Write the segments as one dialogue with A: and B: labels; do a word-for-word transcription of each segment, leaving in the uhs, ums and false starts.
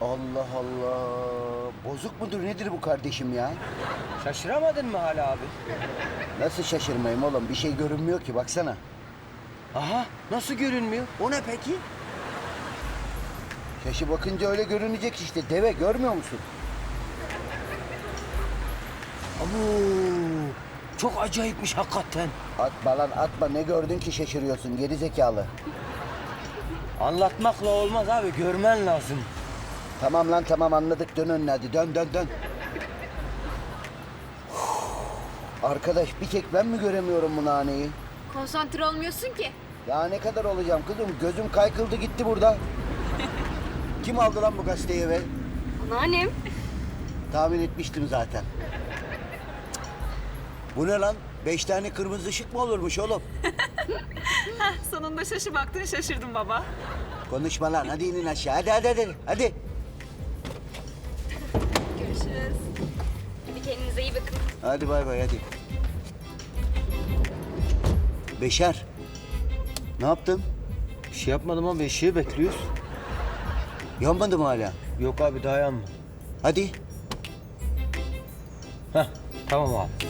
A: Allah Allah. Bozuk mudur nedir bu kardeşim ya?
B: Şaşıramadın mı hala abi?
A: Nasıl şaşırmayayım oğlum? Bir şey görünmüyor ki baksana.
B: Aha, nasıl görünmüyor? O ne peki?
A: Şaşı bakınca öyle görünecek işte. Deve görmüyor musun?
B: Abu, çok acayipmiş hakikaten.
A: Atma lan atma. Ne gördün ki şaşırıyorsun geri zekalı.
B: Anlatmakla olmaz abi, görmen lazım.
A: Tamam lan tamam anladık. Dön önüne hadi. Dön dön dön. Arkadaş bir tek ben mi göremiyorum bu naneyi?
C: Konsantre olmuyorsun ki.
A: Ya ne kadar olacağım kızım? Gözüm kaykıldı gitti burada. Kim aldı lan bu gazeteyi eve?
C: Anneannem.
A: Tahmin etmiştim zaten. Bu ne lan? Beş tane kırmızı ışık mı olurmuş oğlum?
D: Sonunda şaşı baktın şaşırdım baba.
A: Konuşma lan. Hadi inin aşağı. Hadi hadi hadi. Hadi.
C: Görüşürüz. Hadi kendinize iyi bakın.
A: Hadi bay bay hadi. Beşer. Ne yaptın?
B: Bir şey yapmadım abi, ışığı bekliyoruz.
A: Yanmadı mı hala?
B: Yok abi, daha yanma.
A: Hadi.
B: Heh, tamam abi.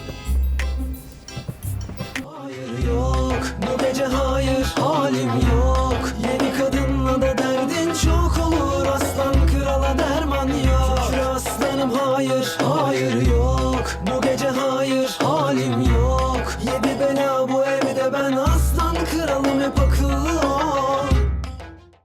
E: Hayır yok, bu gece hayır, halim yok. Yeni kadınla da derdin çok olur. Aslan krala derman yok. Şükür aslanım hayır, hayır yok.